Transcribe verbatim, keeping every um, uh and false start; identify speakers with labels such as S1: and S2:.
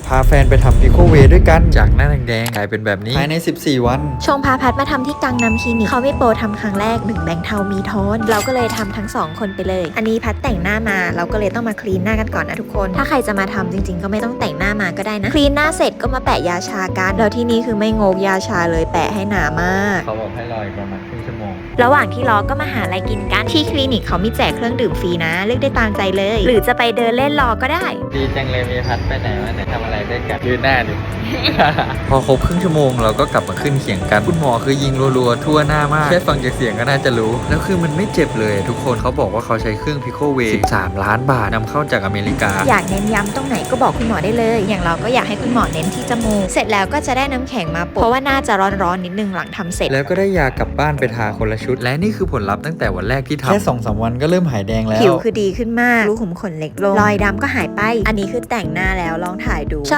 S1: พาแฟนไปทำพิโคเวด้วยกันจากหน้าแดงๆกลายเป็นแบบนี้ภายในสิบสี่วัน
S2: ชงพาพัดมาทำที่กังนำคลินิกเขาไม่โปรทำครั้งแรกหนึ่งแบงค์เทามีโทนเราก็เลยทำทั้งสองคนไปเลยอันนี้พัดแต่งหน้ามาเราก็เลยต้องมาคลีนหน้ากันก่อนนะทุกคนถ้าใครจะมาทำจริงๆก็ไม่ต้องแต่งหน้ามาก็ได้นะคลีนหน้าเสร็จก็มาแปะยาชากันแล้วที่นี่คือไม่งกยาชาเลยแปะให้หนามาก
S1: เขาบอกให้รออีกประมาณครึ่งชั่วโมง
S2: ระหว่างที่รอก็มาหาอะไรกินกันที่คลินิกเขามีแจกเครื่องดื่มฟรีนะเลือกได้ตามใจเลยหรือจะไปเดินเล่นรอก็ได้
S1: ดีจังเลยมีพัดไปไหนมาไหนทำอะไรด้วยกันยืนหน้าดิ พอครบครึ่งชั่วโมงเราก็กลับมาขึ้นเขียงกันคุณหมอคือยิงรัวๆทั่วหน้ามากแค่ฟังจากเสียงก็น่าจะรู้แล้วคือมันไม่เจ็บเลยทุกคนเขาบอกว่าเขาใช้เครื่องพิโคเวสิบสามล้านบาทนำเข้าจากอเมริกา
S2: อยากเน้นย้ำตรงไหนก็บอกคุณหมอได้เลยอย่างเราก็อยากให้คุณหมอเน้นที่จมูกเสร็จแล้วก็จะได้น้ำแข็งมาโปะเพราะว่าน่าจะร้อนๆนิดนึงหลังทำเสร็จ
S1: แล้วก็ได้ยากลับบ้านไปทาคนละชุดและนี่คือผลลัพธ์ตั้งแต่วันแรกที่ทำแค่สองสามวันก็เริ่มหายแดงแล้ว
S2: ผิวคือดีขึ้นมากรูขุมขนเล็กลงรอยดำก็หายไปอันนี้คือแต่งหน้าแล้วลองถ่ายดู